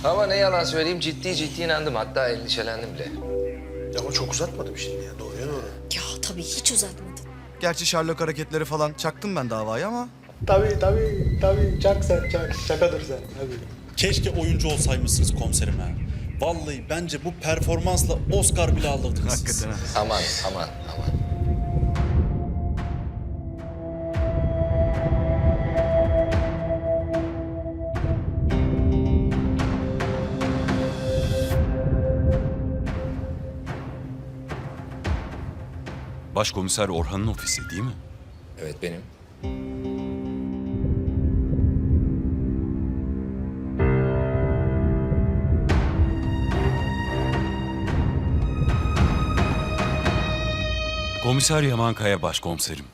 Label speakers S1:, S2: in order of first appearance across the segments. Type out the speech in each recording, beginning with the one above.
S1: Ama ne yalan söyleyeyim ciddi inandım. Hatta endişelendim bile.
S2: Ya ama çok uzatmadım şimdi ya. Doğruya doğru.
S3: Ya tabii hiç uzatmadı.
S4: Gerçi Sherlock hareketleri falan çaktım ben davayı ama...
S2: Tabii. Çak sen, çak. Şakadır sen. Tabii.
S5: Keşke oyuncu olsaymışsınız komiserim ha. Vallahi bence bu performansla Oscar bile alırdınız siz.
S4: Hakikaten ha.
S1: Aman.
S6: Başkomiser Orhan'ın ofisi değil mi?
S1: Evet benim.
S6: Komiser Yaman Kaya başkomiserim.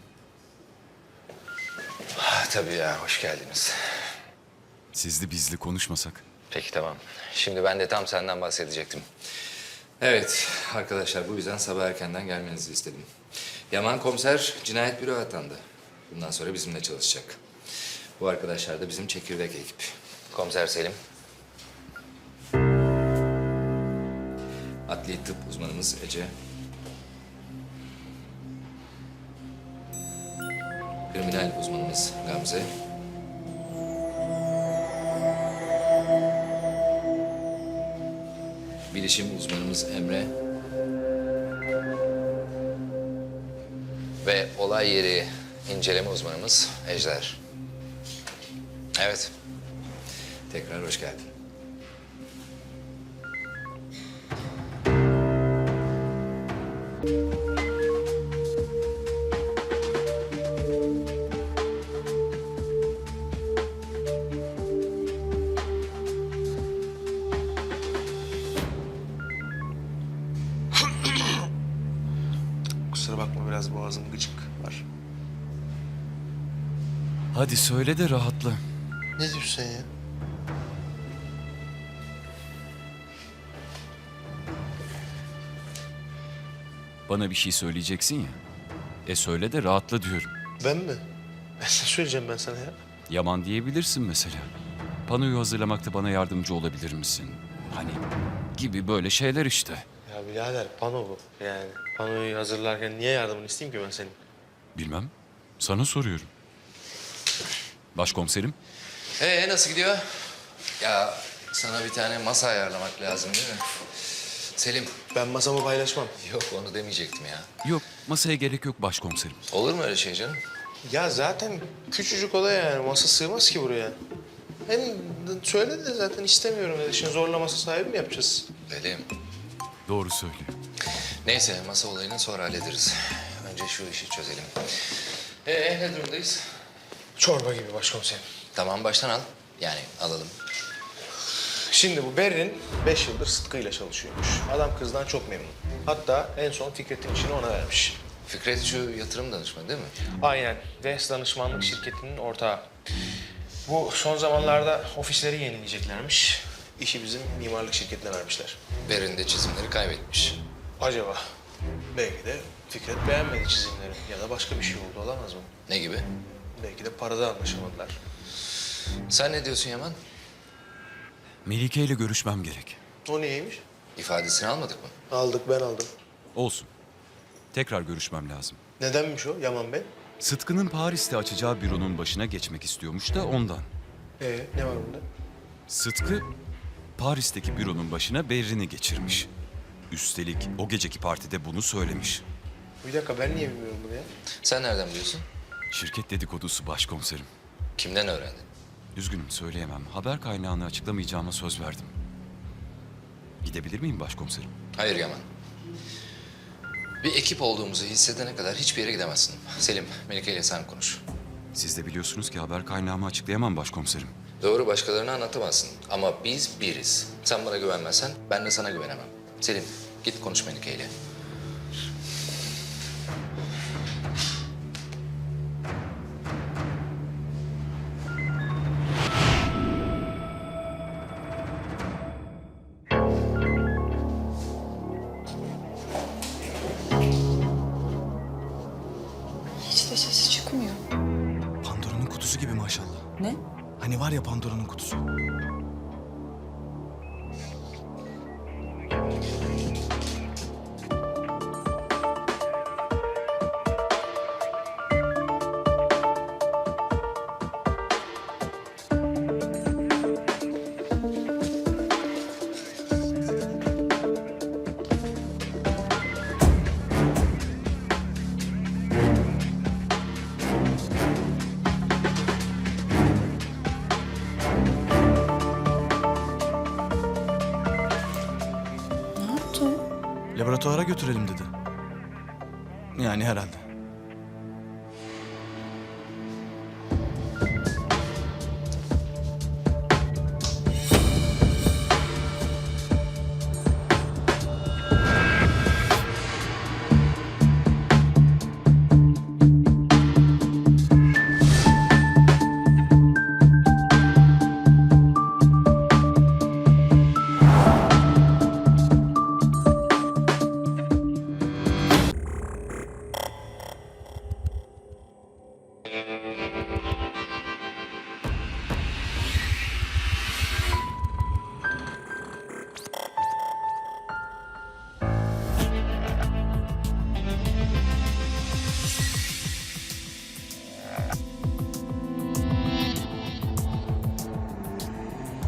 S1: Tabii ya hoş geldiniz.
S6: Sizli bizli konuşmasak.
S1: Peki tamam. Şimdi ben de tam senden bahsedecektim. Evet arkadaşlar bu yüzden sabah erkenden gelmenizi istedim. Yaman komiser cinayet büro atandı. Bundan sonra bizimle çalışacak. Bu arkadaşlar da bizim çekirdek ekip. Komiser Selim. Adli tıp uzmanımız Ece. Kriminal uzmanımız Gamze. Bilişim uzmanımız Emre. Ve olay yeri inceleme uzmanımız Ejder. Evet. Tekrar hoş geldin.
S2: Kusura bakma biraz boğazım gıcık var.
S6: Hadi söyle de rahatla.
S2: Ne diyorsun sen ya?
S6: Bana bir şey söyleyeceksin ya. Söyle de rahatla diyorum.
S2: Ben mi? Ne söyleyeceğim ben sana ya?
S6: Yaman diyebilirsin mesela. Panoyu hazırlamakta bana yardımcı olabilir misin? Hani gibi böyle şeyler işte.
S2: Ya birader pano bu. Yani panoyu hazırlarken niye yardımını isteyeyim ki ben senin?
S6: Bilmem. Sana soruyorum. Başkomiserim.
S1: Nasıl gidiyor? Ya sana bir tane masa ayarlamak lazım değil mi? Selim.
S2: Ben masamı paylaşmam.
S1: Yok onu demeyecektim ya.
S6: Yok masaya gerek yok başkomiserim.
S1: Olur mu öyle şey canım?
S2: Ya zaten küçücük oda yani. Masa sığmaz ki buraya. Hem söyledi de zaten istemiyorum dedi. Şimdi zorla masa sahibi mi yapacağız?
S1: Selim.
S6: Doğru söylüyor.
S1: Neyse masa olayını sonra hallederiz. Önce şu işi çözelim. Ne durumdayız?
S2: Çorba gibi başkomiserim.
S1: Tamam baştan al. Yani alalım.
S2: Şimdi bu Berrin 5 yıldır Sıtkı ile çalışıyormuş. Adam kızdan çok memnun. Hatta en son Fikret'in işini ona vermiş.
S1: Fikret şu yatırım danışmanı değil mi?
S2: Aynen. Ve danışmanlık şirketinin ortağı. Bu son zamanlarda ofisleri yenileyeceklermiş. İşi bizim mimarlık şirketine vermişler.
S1: Berin de çizimleri kaybetmiş.
S2: Acaba? Belki de Fikret beğenmedi çizimleri ya da başka bir şey oldu olamaz mı?
S1: Ne gibi?
S2: Belki de parada anlaşamadılar.
S1: Sen ne diyorsun Yaman?
S6: Melike ile görüşmem gerek.
S2: O niyeymiş?
S1: İfadesini almadık mı?
S2: Aldık, ben aldım.
S6: Olsun. Tekrar görüşmem lazım.
S2: Nedenmiş o Yaman Bey?
S6: Sıtkı'nın Paris'te açacağı büronun başına geçmek istiyormuş da ondan.
S2: Ne var bunda?
S6: Sıtkı, Paris'teki büronun başına Berrin'i geçirmiş. Üstelik o geceki partide bunu söylemiş.
S2: Bir dakika ben niye bilmiyorum bunu ya?
S1: Sen nereden biliyorsun?
S6: Şirket dedikodusu başkomiserim.
S1: Kimden öğrendin?
S6: Üzgünüm söyleyemem. Haber kaynağını açıklamayacağıma söz verdim. Gidebilir miyim başkomiserim?
S1: Hayır Yaman. Bir ekip olduğumuzu hissedene kadar hiçbir yere gidemezsin. Selim, Melike ile sen konuş.
S6: Siz de biliyorsunuz ki haber kaynağımı açıklayamam başkomiserim.
S1: Doğru başkalarına anlatamazsın ama biz biriz. Sen bana güvenmezsen ben de sana güvenemem. Selim, git konuş Melike ile.
S3: Hiç de sesi çıkmıyor.
S4: Pandora'nın kutusu gibi maşallah.
S3: Ne?
S4: Hani var ya Pandora'nın kutusu. Laboratuvara götürelim dedi. Yani herhalde.